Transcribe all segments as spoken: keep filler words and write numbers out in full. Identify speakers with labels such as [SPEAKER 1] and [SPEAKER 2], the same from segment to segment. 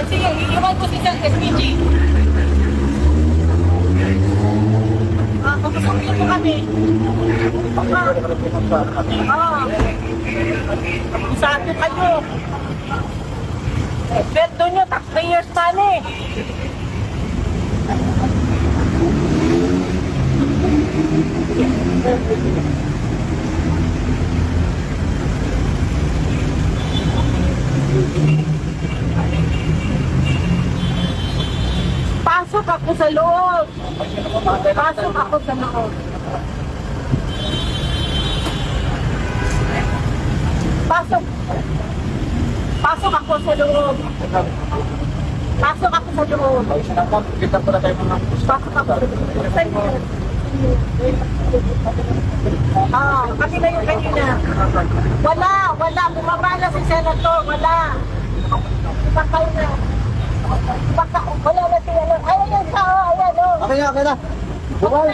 [SPEAKER 1] sige, iiwan ko si Sir S P G. Ah, papasakin mo kami. Ah. Ah. Saan kayo? Sweldo nyo, taxpayers money. Pasok ako sa loob. Pasok ako sa loob. Pasok. Pasok ako sa loob. Pasok ako sa loob.
[SPEAKER 2] Kita po na tayo mga
[SPEAKER 1] Pasok ako. Ah, kasi na yung kanina. Wala, wala. Bumaba na si Senator. Wala. Ipakaw na. Ipakaw. Wala na si ano. Ayan yung tao. Ayan o.
[SPEAKER 2] Okay na, okay na. Bukal.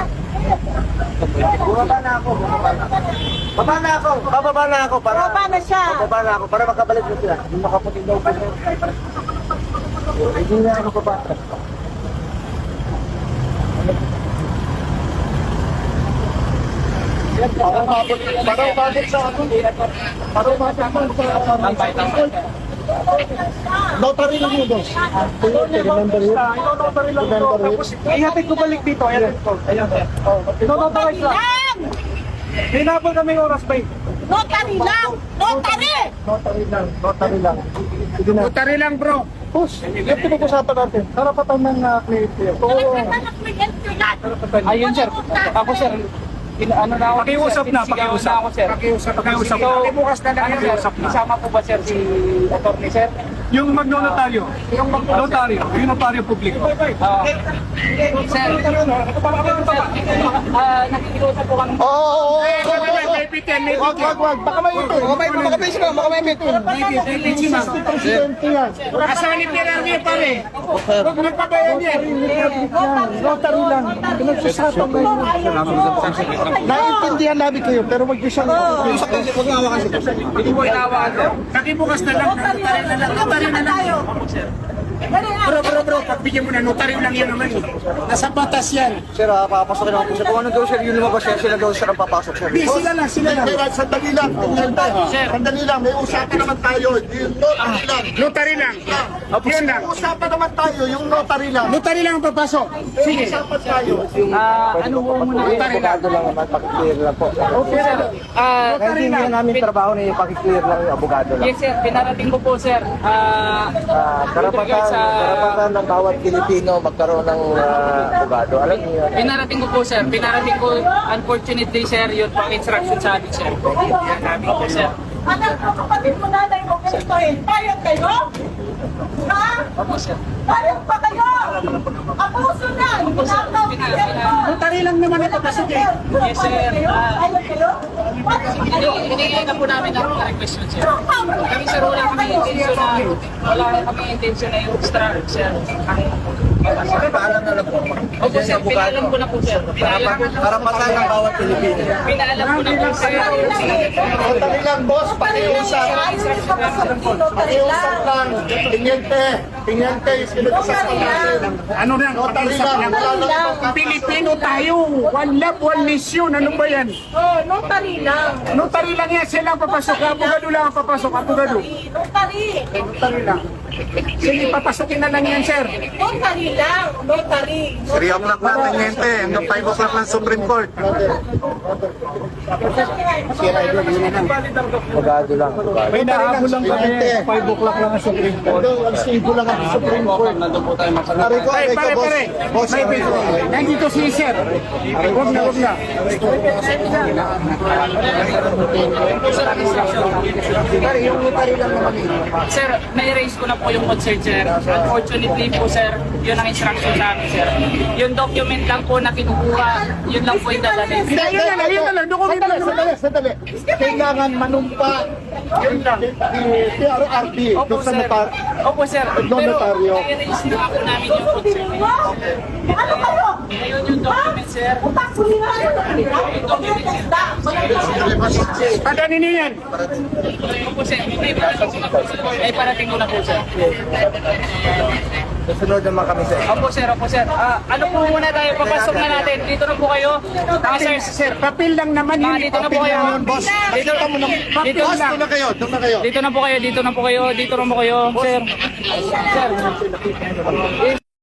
[SPEAKER 2] Bumaba na ako. Baba na ako. Bababa na ako. Para,
[SPEAKER 1] Bumaba na siya.
[SPEAKER 2] Bababa na ako para makabalik na sila. Hindi makaputin daw pa siya. Hindi na ako bababa. Parang mabot, parang mabot sa ako. Parang mabot man sa notary lang yun, boss. Remember yun? Notary lang yun. Tapos, ihatid ko balik dito. Ihatid ko. Ayan, sir. Notary lang! Hinabol kami yung oras, bay.
[SPEAKER 1] Notary lang! Notary!
[SPEAKER 2] Notary lang. Notary lang. Sige na.
[SPEAKER 3] Notary lang, bro.
[SPEAKER 2] Boss, yung pinag-usapan natin. Karapatan ng uh, cliente. Oo.
[SPEAKER 3] Ayun, sir. Ako, sir. In, ano na ako,
[SPEAKER 4] Pakiusap
[SPEAKER 3] sir,
[SPEAKER 4] na,
[SPEAKER 3] sinisigawan
[SPEAKER 4] pakiusap.
[SPEAKER 3] na ako, sir.
[SPEAKER 4] Pakiusap, pakiusap.
[SPEAKER 3] So,
[SPEAKER 4] Pakibukas na lang,
[SPEAKER 3] ano, sir,
[SPEAKER 4] pakiusap na.
[SPEAKER 3] isama po ba, sir, si attorney, sir?
[SPEAKER 4] Yung magnotaryo, yung magnotaryo, yung notaryo publiko.
[SPEAKER 3] Ah, sir, ah, nakikiusap po kami.
[SPEAKER 2] Oo, oo, oo.
[SPEAKER 4] May bitin, may
[SPEAKER 2] Wag, wag, wag. Baka may ito. Baka may baka may sila, baka may ito. Presidente yan.
[SPEAKER 4] Asawa ni Pirarmi, pare. Huwag magpabayan yan.
[SPEAKER 2] Notary lang. Pinagsasapan kayo. Naiintindihan namin kayo, pero wag niyo siyang... Huwag nga hawakan siya.
[SPEAKER 3] Hindi mo inawakan, sir.
[SPEAKER 4] Pakibukas na lang, notary na lang, notary na lang. Bro, bro, bro, pagbigyan mo na, notary lang yan naman. Nasa batas yan.
[SPEAKER 2] Sir, ah, papasokin ako po siya. Kung ano daw sir, yun lumabas siya, sila daw sir ang papasok sir.
[SPEAKER 4] Di, sila lang, sila lang.
[SPEAKER 5] Kaya sandali lang, tiniente. Sandali lang, may usapan naman tayo. Yung notary lang.
[SPEAKER 4] Notary lang. Yun lang.
[SPEAKER 5] May usapan naman tayo, yung notary lang.
[SPEAKER 4] Notary lang ang papasok. Sige.
[SPEAKER 5] Usapan tayo.
[SPEAKER 3] Ah, ano po muna?
[SPEAKER 2] Notary lang. lang naman, pakiclear lang po.
[SPEAKER 3] Okay, sir. Ah,
[SPEAKER 2] Hindi nga namin trabaho na yung pakiclear lang yung abogado lang.
[SPEAKER 3] yes, sir. Pinarating ko po, sir. Ah,
[SPEAKER 2] Ah, karapatan,
[SPEAKER 3] sa-
[SPEAKER 2] karapatan ng bawat Pilipino magkaroon ng ah, abogado. Alam niyo yan.
[SPEAKER 3] Pinarating ko po, sir. Pinarating ko, unfortunately, sir, yun po ang instruction sa amin, sir. Opo, sir.
[SPEAKER 1] Anak ko, kapatid mo nanay mo, ganito eh. Payag kayo? Ha?
[SPEAKER 3] Opo, sir.
[SPEAKER 1] Payag pa kayo? Abuso na! Pinakaw kayo!
[SPEAKER 4] Notary lang naman ito, pasok eh.
[SPEAKER 3] Yes, sir. Ah,
[SPEAKER 1] Payag kayo?
[SPEAKER 3] Hinihingay na po namin ang request yun, sir. Kami, sir, wala kami intention na, wala kami intention na yung extra, sir.
[SPEAKER 2] Paalam na lang po.
[SPEAKER 3] Opo, sir. Pinaalam ko na po, sir. Pinaalam ko na
[SPEAKER 2] Karapatan ng bawat Pilipino.
[SPEAKER 3] Pinaalam ko na po, sir.
[SPEAKER 5] Notary lang, boss. Pakiusap. Pakiusap lang. Tiniente. Tiniente, pinag-usapan natin.
[SPEAKER 4] Ano na,
[SPEAKER 5] Notary
[SPEAKER 4] pakiusap
[SPEAKER 5] lang.
[SPEAKER 4] lang.
[SPEAKER 5] Wala lang ibang
[SPEAKER 4] Pilipino tayo. One love, one mission. Ano ba yan?
[SPEAKER 1] Oh, notary lang.
[SPEAKER 4] Notary lang yan. Sila ang papasok. Abogado lang ang papasok. Abogado.
[SPEAKER 1] Notary.
[SPEAKER 4] Notary lang. Sige, papasukin na lang yan, sir.
[SPEAKER 1] Notary lang. Notary.
[SPEAKER 5] three o'clock na, tiniente. Hanggang five o'clock ng Supreme Court.
[SPEAKER 2] Abogado lang.
[SPEAKER 4] May nahabol lang kami.
[SPEAKER 2] five o'clock lang ang Supreme Court.
[SPEAKER 5] Ang stable lang ang Supreme Court.
[SPEAKER 2] Nandun po tayo masalit.
[SPEAKER 5] Pare ko,
[SPEAKER 4] Pare,
[SPEAKER 5] aray ka,
[SPEAKER 4] pare,
[SPEAKER 5] boss.
[SPEAKER 4] pare.
[SPEAKER 5] Boss,
[SPEAKER 4] May
[SPEAKER 5] aray ko.
[SPEAKER 4] Nandito si sir. Huwag na, huwag na.
[SPEAKER 2] Pare, yung notary lang naman eh.
[SPEAKER 3] Sir, na-erase ko na po yung concern, sir. Unfortunately po, sir, yun ang instruction sa amin, sir. Yung document lang po na kinukuha, yun lang po yung dadalhin.
[SPEAKER 4] Hindi, yun na lang, yun na lang. Dokumento
[SPEAKER 5] Sandali,
[SPEAKER 4] lang.
[SPEAKER 5] sandali, sandali. Kailangan manumpa yung P R R T
[SPEAKER 3] Opo,
[SPEAKER 5] doon sa
[SPEAKER 3] sir.
[SPEAKER 5] notar.
[SPEAKER 3] Opo, sir.
[SPEAKER 5] No,
[SPEAKER 3] Pero
[SPEAKER 5] notaryo.
[SPEAKER 3] na-erase na po namin yung concern.
[SPEAKER 1] Ano kayo?
[SPEAKER 3] Ngayon yung document, sir.
[SPEAKER 1] Utak ko nila.
[SPEAKER 4] Padanin niyo yan.
[SPEAKER 3] Opo, sir. May parating ko na po, sir. May parating ko na po, sir.
[SPEAKER 5] Susunod naman kami sir.
[SPEAKER 3] Opo, sir. Opo, sir. Ah, ano po muna tayo? Papasok na natin. Dito na po kayo. Ah, sir,
[SPEAKER 4] Sir, papel lang naman
[SPEAKER 3] Ah,
[SPEAKER 4] yun.
[SPEAKER 3] dito na po kayo.
[SPEAKER 5] Boss,
[SPEAKER 3] Dito,
[SPEAKER 5] nakita mo na.
[SPEAKER 3] dito,
[SPEAKER 5] Boss, doon na kayo, doon na kayo.
[SPEAKER 3] dito na po kayo. Dito na po kayo. Dito na po kayo, sir. Sir. Eh,